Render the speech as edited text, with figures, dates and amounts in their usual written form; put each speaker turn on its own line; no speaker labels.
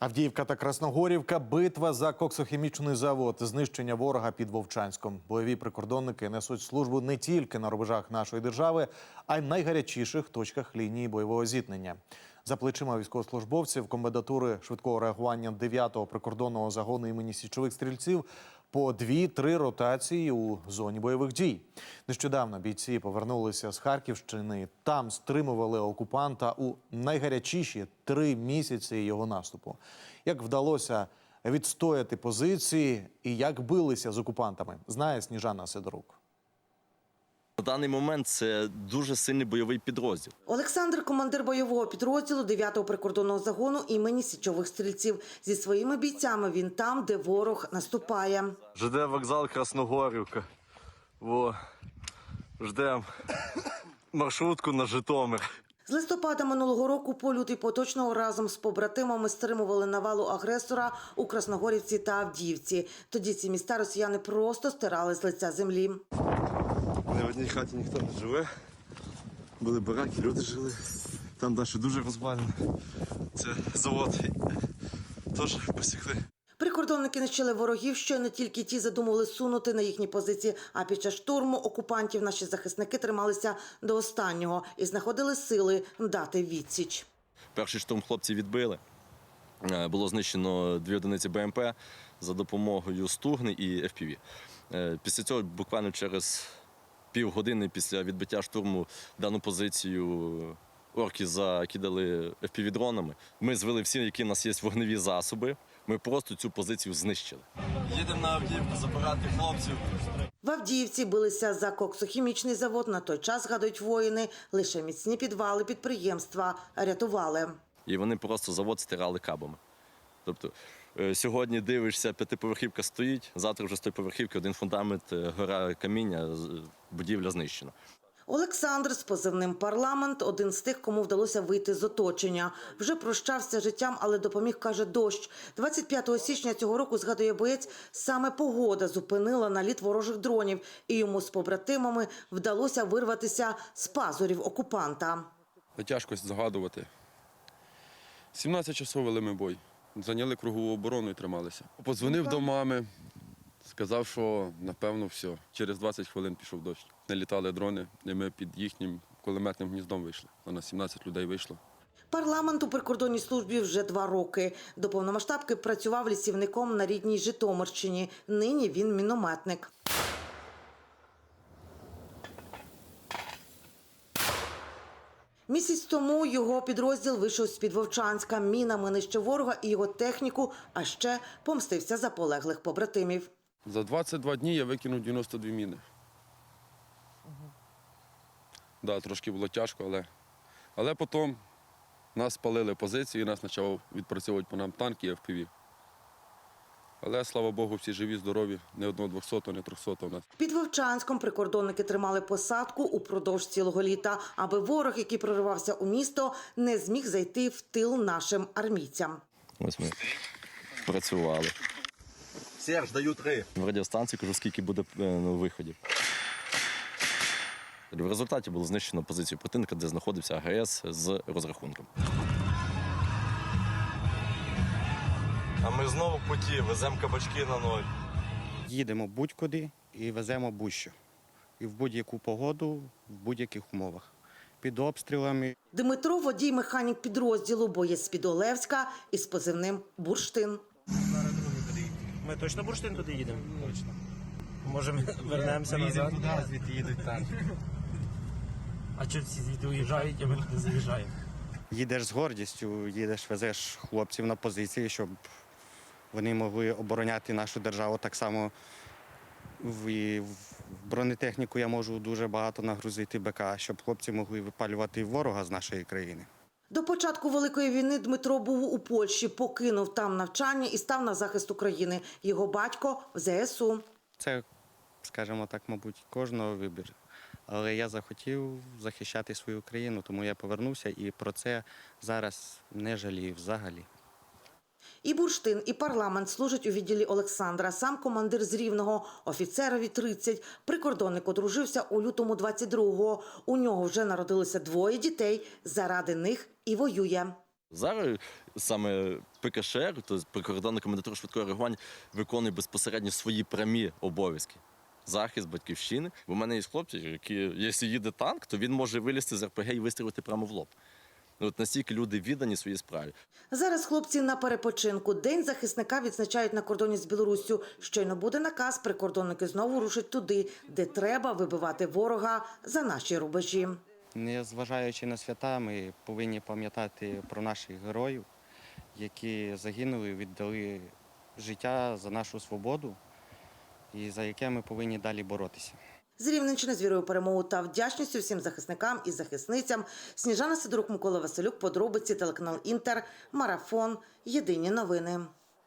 Авдіївка та Красногорівка – битва за коксохімічний завод, знищення ворога під Вовчанськом. Бойові прикордонники несуть службу не тільки на рубежах нашої держави, а й в найгарячіших точках лінії бойового зіткнення. За плечима військовослужбовців комендатури швидкого реагування 9-го прикордонного загону імені Січових стрільців по 2-3 ротації у зоні бойових дій. Нещодавно бійці повернулися з Харківщини. Там стримували окупанта у найгарячіші 3 місяці його наступу. Як вдалося відстояти позиції і як билися з окупантами, знає Сніжана Сидорук.
На даний момент це дуже сильний бойовий підрозділ.
Олександр – командир бойового підрозділу 9-го прикордонного загону імені Січових стрільців. Зі своїми бійцями він там, де ворог наступає.
ЖД вокзал Красногорівка. Ждемо маршрутку на Житомир.
З листопада минулого року по лютий поточного разом з побратимами стримували навалу агресора у Красногорівці та Авдіївці. Тоді ці міста росіяни просто стирали з лиця землі.
В одній хаті ніхто не живе. Були бараки, люди жили. Там далі дуже розвалено. Це завод. Теж посікли.
Прикордонники нищили ворогів, що не тільки ті задумували сунути на їхні позиції, а під час штурму окупантів наші захисники трималися до останнього і знаходили сили дати відсіч.
Перший штурм хлопці відбили. Було знищено 2 одиниці БМП за допомогою Стугни і FPV. Після цього буквально через півгодини після відбиття штурму дану позицію орки закидали FPV-дронами. Ми звели всі, які в нас є вогневі засоби. Ми просто цю позицію знищили. Їдемо на Авдіївку забирати хлопців.
В Авдіївці билися за коксохімічний завод. На той час, згадують воїни, лише міцні підвали підприємства рятували.
І вони просто завод стирали кабами. Тобто сьогодні дивишся, 5-поверхівка стоїть, завтра вже з 100-поверхівки один фундамент, гора каміння, будівля знищена.
Олександр з позивним «Парламент» – один з тих, кому вдалося вийти з оточення. Вже прощався з життям, але допоміг, каже, дощ. 25 січня цього року, згадує боєць, саме погода зупинила наліт ворожих дронів, і йому з побратимами вдалося вирватися з пазурів окупанта.
Тяжко згадувати. 17 часов вели ми бой. Зайняли кругову оборону і трималися. Подзвонив до мами, сказав, що напевно все. Через 20 хвилин пішов дощ. Не літали дрони, і ми під їхнім кулеметним гніздом вийшли. На нас 17 людей вийшло.
«Парламент» у прикордонній службі вже 2 роки. До повномасштабки працював лісівником на рідній Житомирщині. Нині він мінометник. Місяць тому його підрозділ вийшов з-під Вовчанська. Мінами нищив ворога і його техніку, а ще помстився за полеглих побратимів.
За 22 дні я викинув 92 міни. Да, трошки було тяжко, але потім нас спалили позиції, і нас почав відпрацьовувати по нам танки і FPV. Але, слава Богу, всі живі, здорові, ні одного 200-го, ні 300-го.
Під Вовчанськом прикордонники тримали посадку упродовж цілого літа, аби ворог, який проривався у місто, не зміг зайти в тил нашим армійцям.
Ось ми працювали.
Серж, даю 3.
В радіостанції кажу, скільки буде виходів. В результаті було знищено позицію противника, де знаходився АГС з розрахунком.
А ми знову в путі, веземо кабачки на 0.
Їдемо будь-куди і веземо будь-що. І в будь-яку погоду, в будь-яких умовах. Під обстрілами.
Дмитро – водій-механік підрозділу, боєць з-під Олевська із позивним «Бурштин».
Ми точно Бурштин туди їдемо? Точно. Може, ми вернемося назад? Туди, звідти їдуть там. А чого всі звідти уїжджають, а ми туди заїжджаємо?
Їдеш з гордістю, везеш хлопців на позиції, щоб вони могли обороняти нашу державу. Так само в бронетехніку я можу дуже багато нагрузити БК, щоб хлопці могли випалювати ворога з нашої країни.
До початку Великої війни Дмитро був у Польщі, покинув там навчання і став на захист України. Його батько – в ЗСУ.
Це, скажімо так, мабуть, кожного вибір. Але я захотів захищати свою країну, тому я повернувся і про це зараз не жалію взагалі.
І Бурштин, і «Парламент» служать у відділі Олександра. Сам командир з Рівного, офіцерові 30. Прикордонник одружився у лютому 22-го. У нього вже народилося 2 дітей. Заради них і воює.
Зараз саме ПКШР, тобто прикордонна комендатура швидкого реагування, виконує безпосередньо свої прямі обов'язки. Захист батьківщини. Бо в мене є хлопці, які, якщо їде танк, то він може вилізти з РПГ і вистрілити прямо в лоб. От настільки люди віддані своїй справі.
Зараз хлопці на перепочинку. День захисника відзначають на кордоні з Білоруссю. Щойно буде наказ, прикордонники знову рушать туди, де треба вибивати ворога за наші рубежі.
Незважаючи на свята, ми повинні пам'ятати про наших героїв, які загинули, віддали життя за нашу свободу і за яке ми повинні далі боротися.
З Рівненщини з вірою у перемогу та вдячністю всім захисникам і захисницям. Сніжана Сидорук, Микола Василюк, подробиці, телеканал Інтер, Марафон, Єдині новини.